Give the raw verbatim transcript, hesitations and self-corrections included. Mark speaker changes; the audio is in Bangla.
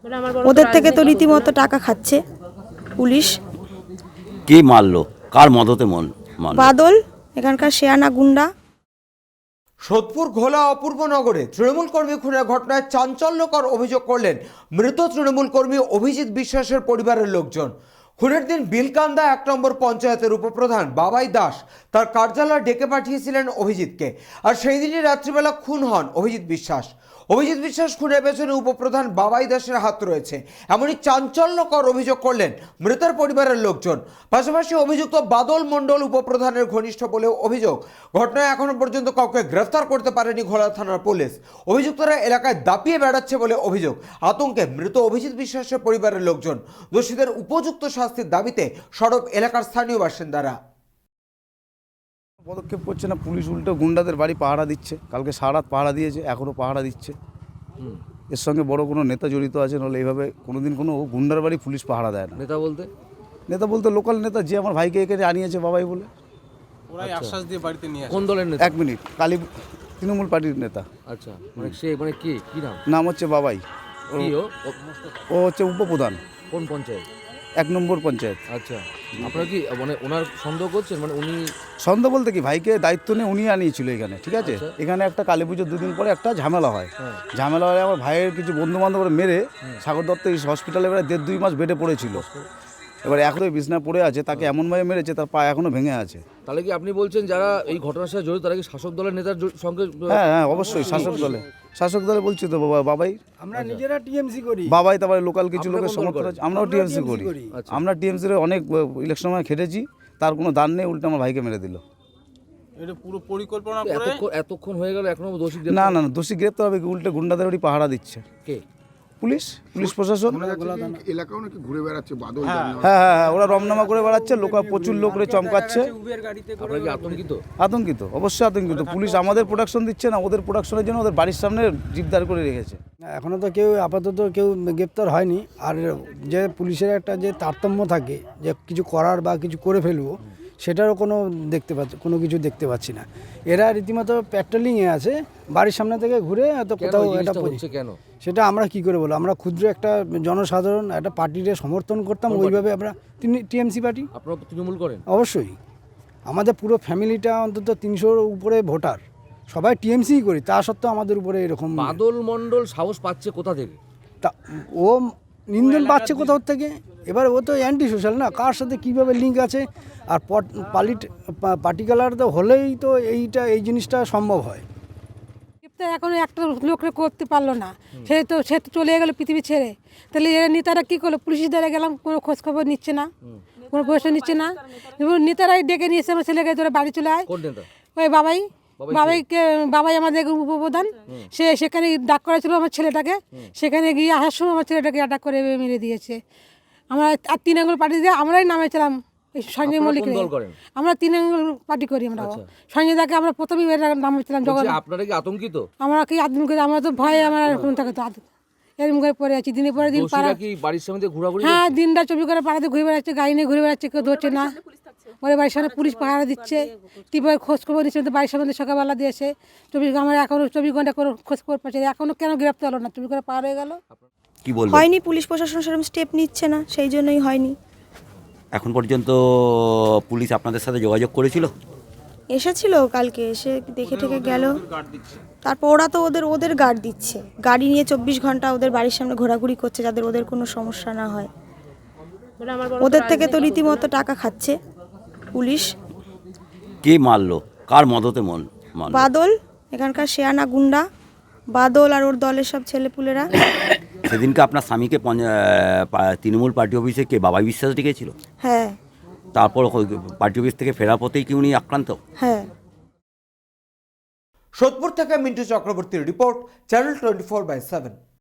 Speaker 1: ওদের থেকে তো রীতিমতো টাকা খাচ্ছে পুলিশ।
Speaker 2: কে মারলো, কার মদতে মন মারলো?
Speaker 1: বাদল, এখানকার শেয়ানা গুন্ডা।
Speaker 3: সোদপুর ঘোলা অপূর্বনগরে তৃণমূল কর্মী খুনের ঘটনায় চাঞ্চল্যকর অভিযোগ করলেন মৃত তৃণমূল কর্মী অভিজিৎ বিশ্বাসের পরিবারের লোকজন। খুনের দিন বিলকান্দা এক নম্বর পঞ্চায়েতের উপপ্রধান বাবাই দাস তার কার্যালয়ে ডেকে পাঠিয়েছিলেন অভিজিৎকে, আর সেই দিনই রাত্রিবেলা খুন হন অভিজিৎ বিশ্বাস। অভিজিৎ বিশ্বাস খুনের পেছনে উপপ্রধান বাবাই দাসের হাত রয়েছে, এমনই চাঞ্চল্যকর অভিযোগ করলেন মৃতের পরিবারের লোকজন। পাশাপাশি অভিযুক্ত বাদল মণ্ডল উপপ্রধানের ঘনিষ্ঠ বলেও অভিযোগ। ঘটনায় এখনো পর্যন্ত কাউকে গ্রেফতার করতে পারেনি ঘোলা থানার পুলিশ। অভিযুক্তরা এলাকায় দাপিয়ে বেড়াচ্ছে বলে অভিযোগ। আতঙ্কে মৃত অভিজিৎ বিশ্বাসের পরিবারের লোকজন। দোষীদের উপযুক্ত শাস্তির দাবিতে সরব এলাকার স্থানীয় বাসিন্দারা।
Speaker 4: পদক্ষেপ করছে না পুলিশ, উল্টো গুন্ডাদের বাড়ি পাহারা দিচ্ছে। কালকে সারা রাত পাহারা দিয়েছে, এখনও পাহারা দিচ্ছে। এর সঙ্গে বড় কোনো নেতা জড়িত আছে, নাহলে এইভাবে কোনোদিন কোনো গুন্ডার বাড়ি পুলিশ পাহারা দেয় না।
Speaker 5: নেতা বলতে
Speaker 4: নেতা বলতে লোকাল নেতা, যে আমার ভাইকে এখানে আনিয়েছে বাবাই বলে।
Speaker 5: ওরাই আশ্বাস দিয়ে বাড়িতে নিয়ে আসে। কোন দলের নেতা?
Speaker 4: এক মিনিট, কালী তৃণমূল পার্টির নেতা।
Speaker 5: আচ্ছা, মানে সে মানে কি কি নাম?
Speaker 4: নাম হচ্ছে বাবাই।
Speaker 5: কি ও?
Speaker 4: ও হচ্ছে উপপ্রধান।
Speaker 5: কোন পঞ্চায়েত?
Speaker 4: এক নম্বর পঞ্চায়েত।
Speaker 5: আচ্ছা, আপনারা কি মানে ওনার সন্দেহ করছেন? মানে উনি
Speaker 4: সন্দেহ বলতে কি, ভাইকে দায়িত্ব নিয়ে উনি আনিয়েছিল এখানে, ঠিক আছে? এখানে একটা কালী পুজোর দুদিন পরে একটা ঝামেলা হয়। ঝামেলা হয় আমার ভাইয়ের কিছু বন্ধু বান্ধব মেরে সাগর দত্ত হসপিটালে এবারে দেড় দুই মাস বেডে পড়েছিল। এবার এখনো বিছনা পড়ে আছে, তাকে এমনভাবে মেরেছে তার পা এখনো ভেঙে আছে।
Speaker 5: তাহলে কি আপনি বলছেন যারা এই ঘটনার সাথে জড়িত তারা কি শাসক দলের নেতার জ- সঙ্গে?
Speaker 4: হ্যাঁ হ্যাঁ অবশ্যই শাসক দলে, শাসক দলে বলছি তো বাবা বাবাই।
Speaker 6: আমরা নিজেরা টিএমসি করি।
Speaker 4: বাবাই তারপরে লোকাল কিছু
Speaker 5: আপনারা
Speaker 4: লোকের
Speaker 5: কোন দল
Speaker 4: সমর্থন
Speaker 5: করেন?
Speaker 4: আছে। আমরাও টিএমসি করি।
Speaker 5: আচ্ছা।
Speaker 4: আমরা টিএমসির অনেক ইলেকশন সময় খেটেছি, তার কোনো দান নেই, উল্টে আমার ভাইকে মেরে দিল।
Speaker 6: এটা পুরো পরিকল্পনা করে।
Speaker 5: এতক্ষণ এতক্ষণ হয়ে গেল এখনো দোষী
Speaker 4: না
Speaker 5: গ্রেফতার?
Speaker 4: না না, দোষী গ্রেপ্তার হবে কি, উল্টে গুন্ডাদের বাড়ি পাহারা দিচ্ছে
Speaker 5: কে?
Speaker 4: পুলিশ, পুলিশ প্রশাসন।
Speaker 7: এলাকাও নাকি ঘুরে বেড়াচ্ছে বাদল।
Speaker 4: হ্যাঁ হ্যাঁ হ্যাঁ, ওরা রমনামা করে বেড়াচ্ছে, লোক প্রচুর লোক করে চমকাচ্ছে।
Speaker 5: আপনারা কি আতঙ্কিত?
Speaker 4: আতঙ্কিত, অবশ্যই আতঙ্কিত। পুলিশ আমাদের প্রোডাকশন দিচ্ছে না, ওদের প্রোডাকশনের জন্য ওদের বাড়ির সামনে জিপদার করে রেখেছে।
Speaker 6: এখনো তো কেউ আপাতত কেউ গ্রেপ্তার হয়নি। আর যে পুলিশের একটা যে তারতম্য থাকে যে কিছু করার বা কিছু করে ফেলবো, সেটারও কোনো দেখতে পাচ্ছি, কোনো কিছু দেখতে পাচ্ছি না। এরা রীতিমতো প্যাট্রোলিংয়ে আছে, বাড়ির সামনে থেকে ঘুরে হয়তো
Speaker 5: কেন
Speaker 6: কোথাও
Speaker 5: এই
Speaker 6: এটা
Speaker 5: জিনিসটা হচ্ছে কেন?
Speaker 6: সেটা আমরা কি করে বলবো? আমরা ক্ষুদ্র একটা জনসাধারণ একটা পার্টিকে সমর্থন করতাম, ওইভাবে আমরা টিএমসি পার্টি।
Speaker 5: আপনারা তৃণমূল করেন?
Speaker 6: অবশ্যই, আমাদের পুরো ফ্যামিলিটা অন্তত তিনশোর উপরে ভোটার, সবাই টিএমসি করি, তা সত্ত্বেও আমাদের উপরে এরকম।
Speaker 5: বাদল মণ্ডল সাহস পাচ্ছে কোথা থেকে?
Speaker 6: তা ও নিন্দন পাচ্ছে কোথাও থেকে। এবার ও তো অ্যান্টি সোশ্যাল না, কার সাথে কীভাবে লিঙ্ক আছে। আর পালিট পার্টিকুলার তো হলেই তো এইটা এই জিনিসটা সম্ভব হয়।
Speaker 8: এখনো একটা লোকরে করতে পারলো না, সে তো সে তো চলে গেলো পৃথিবী ছেড়ে। তাহলে এরা নেতারা কী করলো? পুলিশের দ্বারা গেলাম, কোনো খোঁজখবর নিচ্ছে না, কোনো পয়সা নিচ্ছে না। এবং নেতারাই ডেকে নিয়েছে আমার ছেলেকে, তোরা বাড়ি চলে আয়।
Speaker 5: কোন নেতা?
Speaker 8: ওই বাবাই, বাবাইকে বাবাই আমাদের উপপ্রধান। সে সেখানে ডাক করেছিল আমার ছেলেটাকে, সেখানে গিয়ে আসার সময় আমার ছেলেটাকে অ্যাটাক করে মেরে দিয়েছে। আমরা আর তিন আঙ্গুল পার্টি দিয়ে আমরাই নামেছিলাম সঞ্জয় মল্লিক। আমরা তিন আঙ্গুল পার্টি করি আমরা। সঞ্জয় দাকে আমরা প্রথমেই নামেছিলাম। যখন
Speaker 5: আপনারা কি আতঙ্কিত?
Speaker 8: আমরা কি আতঙ্ক, আমরা তো ভয়ে আমরা থাকে তো এরকম করে পড়ে আছি দিনের পরে দিন। পাড়া
Speaker 5: কি বাড়ির সামনে ঘোরাঘুরি?
Speaker 8: হ্যাঁ, দিনটা চব্বিশ করে পাড়াতে ঘুরে বেড়াচ্ছে, গাড়ি নিয়ে ঘুরে বেড়াচ্ছে, কেউ ধরছে না। ওরে বাড়ির সামনে পুলিশ পাহারা দিচ্ছে, টিপের খোঁজ খবর নিচ্ছে, বাড়ির সামনে সকালবেলা দিয়েছে। চব্বিশ আমরা এখনো চব্বিশ ঘন্টা করে খোঁজ খবর পাচ্ছি, এখনো কেন গ্রেপ্তার হলো না? চব্বিশ ঘন্টা পার হয়ে গেল,
Speaker 2: কি বলবো?
Speaker 1: হয়নি, পুলিশ প্রশাসন সেরকম স্টেপ নিচ্ছে না, সেই জন্যই হয়নি।
Speaker 2: এখন পর্যন্ত পুলিশ আপনাদের সাথে যোগাযোগ করেছিল?
Speaker 1: এসেছিল কালকে, এসে দেখে ঠেকে গেল। তারপর ওরা তো ওদের ওদের গার্ড দিচ্ছে, গাড়ি নিয়ে চব্বিশ ঘন্টা ওদের বাড়ির সামনে ঘোরাঘুরি করছে, যাদের ওদের কোনো সমস্যা না হয়। ওদের থেকে তো রীতিমতো টাকা খাচ্ছে পুলিশ।
Speaker 2: কে মারলো, কার মদতে মন মারলো?
Speaker 1: বাদল, এখানকার শেয়ানা গুন্ডা বাদল আর ওর দলের সব ছেলেপুলেরা।
Speaker 2: সেদিনকে আপনার স্বামীকে পঞ্চা- পা- তৃণমূল পার্টি অফিসে কে বাবাই বিশ্বাস ডেকেছিল?
Speaker 1: হ্যাঁ
Speaker 2: তারপর পার্টি অফিস থেকে ফেরার পথেই কি উনি আক্রান্ত?
Speaker 1: হ্যাঁ।
Speaker 3: সোদপুর থেকে মিন্টু চক্রবর্তীর report, channel twenty four by seven.